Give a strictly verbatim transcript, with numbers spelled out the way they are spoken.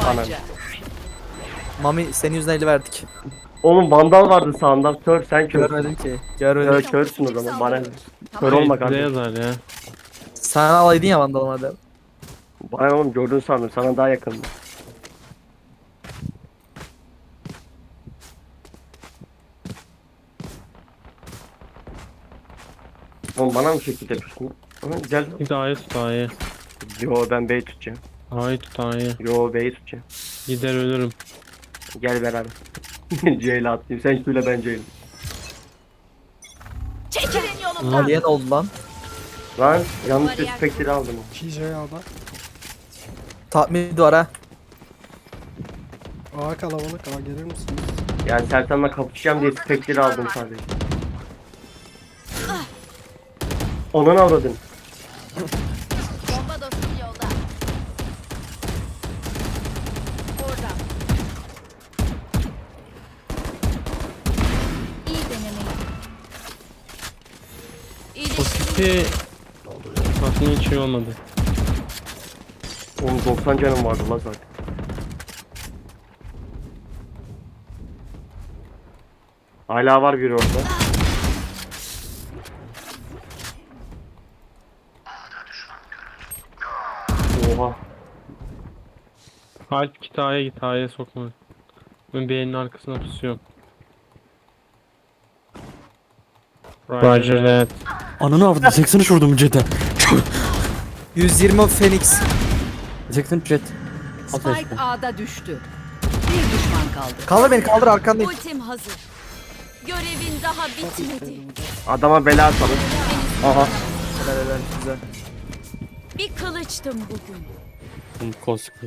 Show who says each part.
Speaker 1: tabanca.
Speaker 2: Mami senin yüzünden eli verdik.
Speaker 3: Oğlum vandal vardı sağında. Kör sen kör.
Speaker 2: Görmedim ki. Görmedim.
Speaker 3: Kör körsün o zaman. Bana kör
Speaker 1: Tamam.
Speaker 3: olma
Speaker 4: Ne
Speaker 3: kardeşim.
Speaker 4: yazar ya?
Speaker 2: Sen alaydın ya vandal madem.
Speaker 3: Bana oğlum gördün sandım. Sana daha yakındım. Oğlum bana mı şekil yapıyorsun? Ama gel.
Speaker 4: Git A'yı tut A'yı.
Speaker 3: Yo ben B'yi tutacağım.
Speaker 4: A'yı tut A'yı.
Speaker 3: Yo B'yi tutacağım.
Speaker 4: Gider ölürüm.
Speaker 3: Gel beraber. C'yle atlayayım. Sen Q'yle ben C'yle.
Speaker 1: Çekilin yolumdan.
Speaker 2: Aliye ne oldu lan?
Speaker 3: Lan yanlış bir
Speaker 1: Bariyer
Speaker 3: spektri aldım.
Speaker 5: iki J A'da.
Speaker 2: Tahmin var ha.
Speaker 5: A kalabalık, A gelir misiniz?
Speaker 3: Yani Sertan'la kapışacağım diye spektri aldım sadece. Onun avradın.
Speaker 1: Bomba dostum yolda. Orada. İyi denemeyi.
Speaker 4: O
Speaker 1: İyileşti.
Speaker 4: tipi aslında hiç şey olmadı.
Speaker 3: Oğlum doksan canım vardı la zaten. Hala var biri orada. Oha.
Speaker 4: Alp git A'ya git A'ya sokma. Ben B'nin arkasına pusuyorum. Roger that.
Speaker 6: Ananı avradı seksen üç vurdum Jet'e.
Speaker 2: yüz yirmi Phoenix.
Speaker 6: seksen üç Jet.
Speaker 1: Spike A'da düştü. Bir düşman kaldı.
Speaker 2: Kaldır beni kaldır arkandayım.
Speaker 1: Ultim hazır. Görevin daha bitmedi.
Speaker 3: Adama bela atalım. Aha.
Speaker 2: Helal helal güzel.
Speaker 1: Bir kılıçtım bugün.
Speaker 6: Kosku.